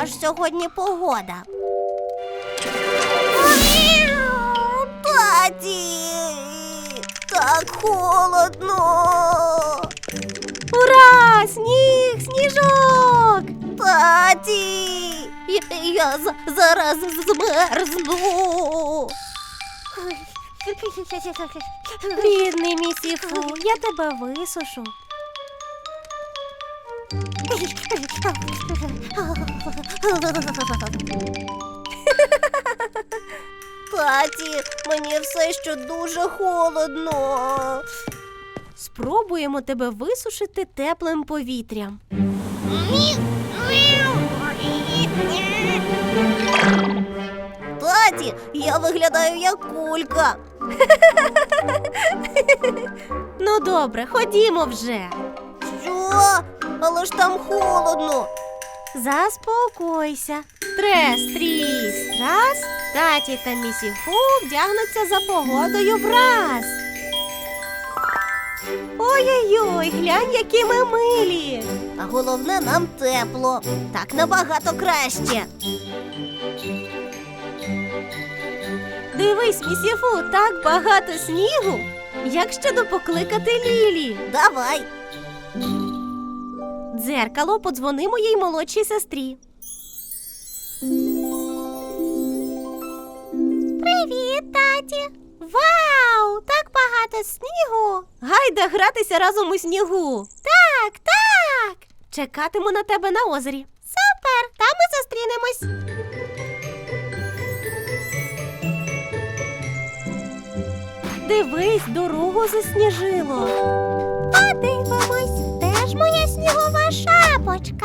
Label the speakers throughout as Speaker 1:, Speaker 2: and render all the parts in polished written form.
Speaker 1: Яка ж сьогодні погода? Таті! Так холодно!
Speaker 2: Ура! Сніг! Сніжок!
Speaker 1: Таті! Я зараз змерзну!
Speaker 2: Бідний місіфу, я тебе висушу.
Speaker 1: Таті, мені все ще дуже холодно.
Speaker 2: Спробуємо тебе висушити теплим повітрям.
Speaker 1: Таті, я виглядаю як кулька.
Speaker 2: Ну добре, ходімо вже.
Speaker 1: Що? Але ж там холодно.
Speaker 2: Заспокойся. Трес, тріс, трас. Таті та місіфу вдягнуться за погодою враз. Ой-ой-ой, глянь, які ми милі.
Speaker 1: А головне, нам тепло. Так набагато краще.
Speaker 2: Дивись, місіфу, так багато снігу. Як щодо покликати Лілі?
Speaker 1: Давай.
Speaker 2: Дзеркало, подзвони моїй молодшій сестрі. Привіт, таті! Вау! Так багато снігу! Гайда гратися разом у снігу! Так, так! Чекатиму на тебе на озері. Супер! Там ми зустрінемось! Дивись, дорогу засніжило. Подивимось, де ж моя снігова шапочка?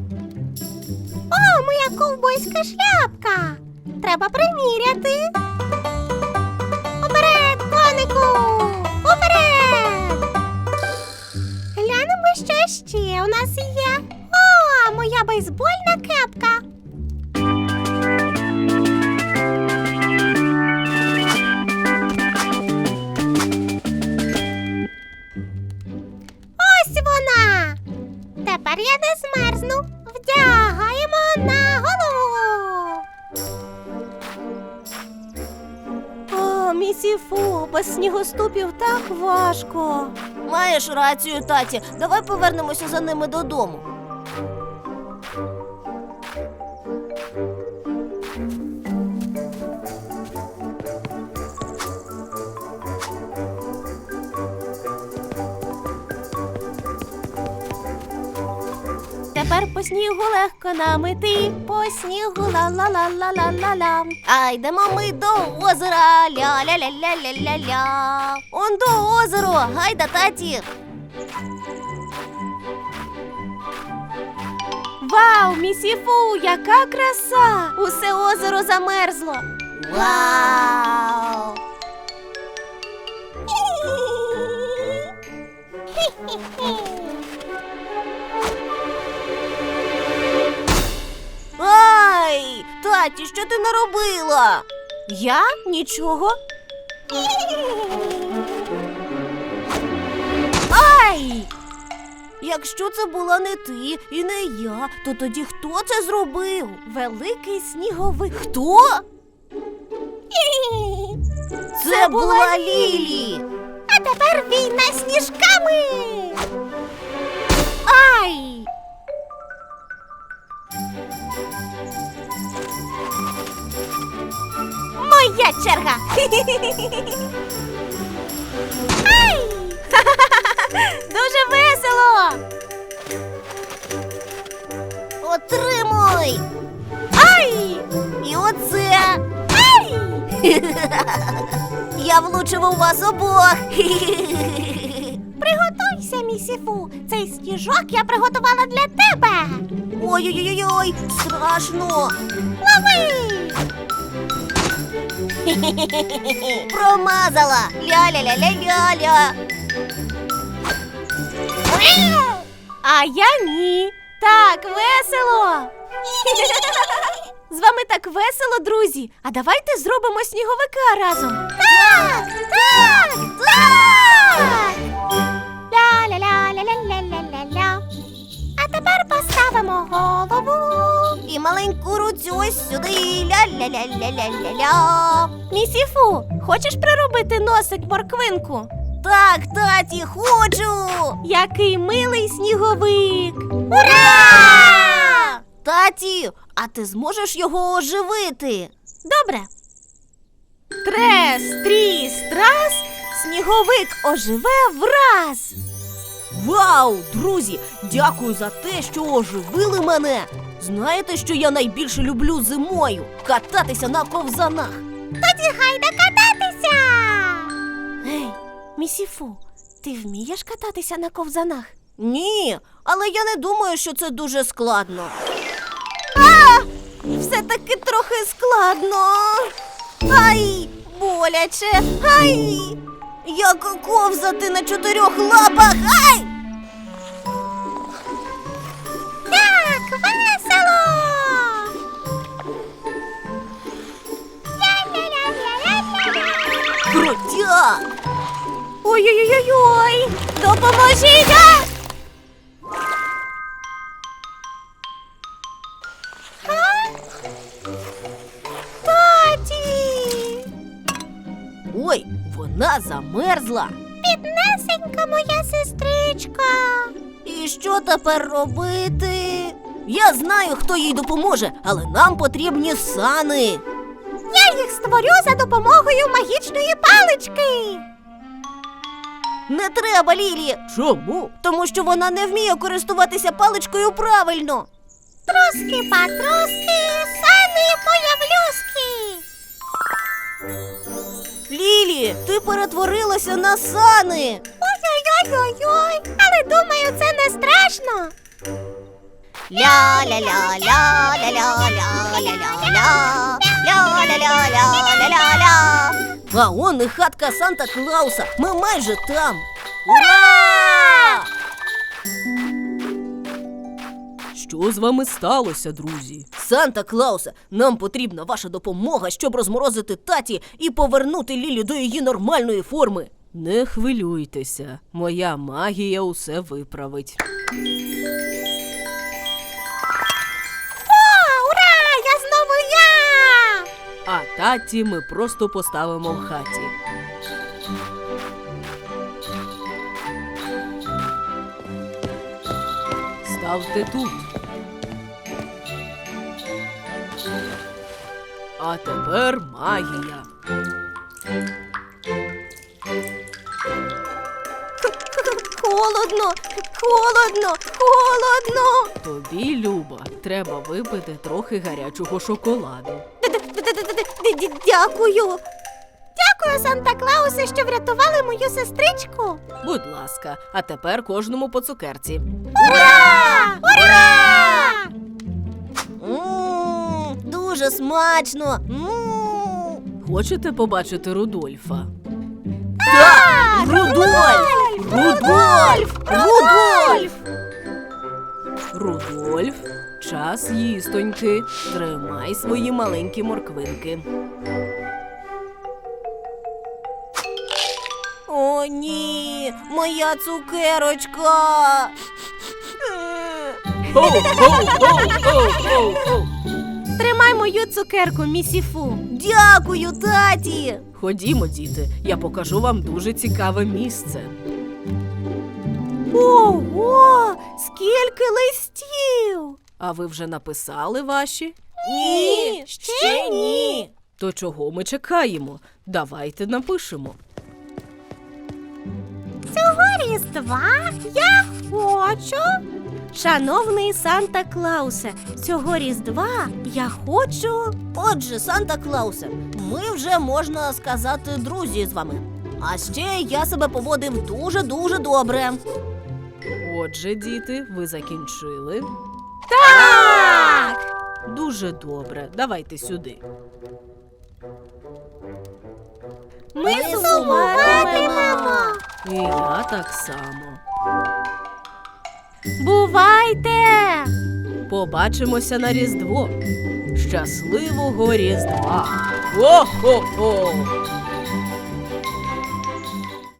Speaker 2: О, моя ковбойська шляпка. Треба приміряти. Уперед, конику! Уперед! Глянемо, що ще у нас є. О, моя бейсбольна кепка. Ось вона! Тепер я не змерзну. Вдягаємо на голову. О, місіфу, без снігоступів так важко.
Speaker 1: Маєш рацію, таті. Давай повернемося за ними додому.
Speaker 2: Тепер по снігу легко нам іти, по снігу ла-ла-ла-ла-ла-ла-ла.
Speaker 1: А йдемо ми до озера. Ля-ля-ля-ля-ля-ля-ля. Он до озеро. Гайда, таті.
Speaker 2: Вау, місіфу, яка краса! Усе озеро замерзло.
Speaker 1: Вау! Ай! Таті, що ти наробила?
Speaker 2: Я? Нічого.
Speaker 1: Ай! Якщо це була не ти і не я, то тоді хто це зробив?
Speaker 2: Великий сніговик.
Speaker 1: Хто? Це була Лілі.
Speaker 2: А тепер війна з сніжками. Ай!
Speaker 1: Моя черга.
Speaker 2: Ай! Дуже весело.
Speaker 1: Отримуй.
Speaker 2: Ай!
Speaker 1: І оце.
Speaker 2: Ай!
Speaker 1: Я влучив у вас обох.
Speaker 2: Приготуйся, місіфу. Цей сніжок я приготувала для тебе.
Speaker 1: Ой-ой-ой, страшно.
Speaker 2: Лови!
Speaker 1: Промазала. Ля-ля-ля-ля-ля-ля.
Speaker 2: А я ні. Так весело. З вами так весело, друзі. А давайте зробимо сніговика разом.
Speaker 1: Так, так, так.
Speaker 2: Ля-ля-ля-ля-ля-ля-ля-ля. А Тепер поставимо голову.
Speaker 1: І маленьку руцю ось сюди. Ля-ля-ля-ля-ля-ля-ля.
Speaker 2: Місіфу, хочеш приробити носик морквинку?
Speaker 1: Так, таті, хочу!
Speaker 2: Який милий сніговик!
Speaker 1: Ура! Таті, а ти зможеш його оживити?
Speaker 2: Добре. Трес, тріс, трас, сніговик оживе враз.
Speaker 1: Вау, друзі, дякую за те, що оживили мене. Знаєте, що я найбільше люблю зимою? Кататися на ковзанах.
Speaker 2: Тоді гайда кататися! Гей, Місіфу, ти вмієш кататися на ковзанах?
Speaker 1: Ні, але я не думаю, що це дуже складно.
Speaker 2: Все-таки трохи складно.
Speaker 1: Ай, боляче, ай! Як ковзати на 4 лапах, ай!
Speaker 2: Так, весело! Ля-ля-ля-ля-ля-ля!
Speaker 1: Крутяк!
Speaker 2: Ой-ой-ой-ой! Допоможіть! Таті!
Speaker 1: Ой, вона замерзла.
Speaker 2: Біднесенька моя сестричка!
Speaker 1: І що тепер робити? Я знаю, хто їй допоможе, але нам потрібні сани.
Speaker 2: Я їх створю за допомогою магічної палички!
Speaker 1: Не треба, Лілі. Чому? Тому що вона не вміє користуватися паличкою правильно.
Speaker 2: Троски-патроски, сани появлюски!
Speaker 1: Лілі, ти перетворилася на сани.
Speaker 2: Ой-ой-ой-ой-ой! Але думаю, це не страшно!
Speaker 1: Ля-ля-ля-ля-ля-ля-ля-ля-ля. Ля-ля-ля-ля-ля-ля-ля. А он і хатка Санта-Клауса. Ми майже там. Ура! Що з вами сталося, друзі? Санта-Клаусе, нам потрібна ваша допомога, щоб розморозити таті і повернути Лілі до її нормальної форми. Не хвилюйтеся, моя магія усе виправить.
Speaker 2: Ура! Я знову я!
Speaker 1: А таті ми просто поставимо в хаті. Ставте тут. А тепер магія.
Speaker 2: Холодно, холодно, холодно!
Speaker 1: Тобі, Люба, треба випити трохи гарячого шоколаду.
Speaker 2: Дякую! Дякую, Санта-Клаусе, що врятували мою сестричку!
Speaker 1: Будь ласка, а тепер кожному по цукерці.
Speaker 2: Ура! Ура!
Speaker 1: Дуже смачно. Хочете побачити Рудольфа?
Speaker 2: Так!
Speaker 1: Рудольф!
Speaker 2: Рудольф!
Speaker 1: Рудольф! Рудольф, час їстоньки. Тримай свої маленькі морквинки. О, ні, моя цукерочка.
Speaker 2: Тримай мою цукерку, Місіфу.
Speaker 1: Дякую, таті. Ходімо, діти, я покажу вам дуже цікаве місце.
Speaker 2: Ого! Скільки листів!
Speaker 1: А ви вже написали ваші?
Speaker 2: Ні, ще ні.
Speaker 1: То чого ми чекаємо? Давайте напишемо.
Speaker 2: Цього Різдва я хочу. Шановний Санта-Клаусе, цього Різдва я хочу.
Speaker 1: Отже, Санта-Клаусе, ми вже, можна сказати, друзі з вами. А ще я себе поводив дуже-дуже добре. Отже, діти, ви закінчили?
Speaker 2: Так!
Speaker 1: Дуже добре. Давайте сюди.
Speaker 2: Ми сумуватимемо.
Speaker 1: І я так само.
Speaker 2: Бувайте!
Speaker 1: Побачимося на Різдво. Щасливого Різдва! Хо-хо-хо!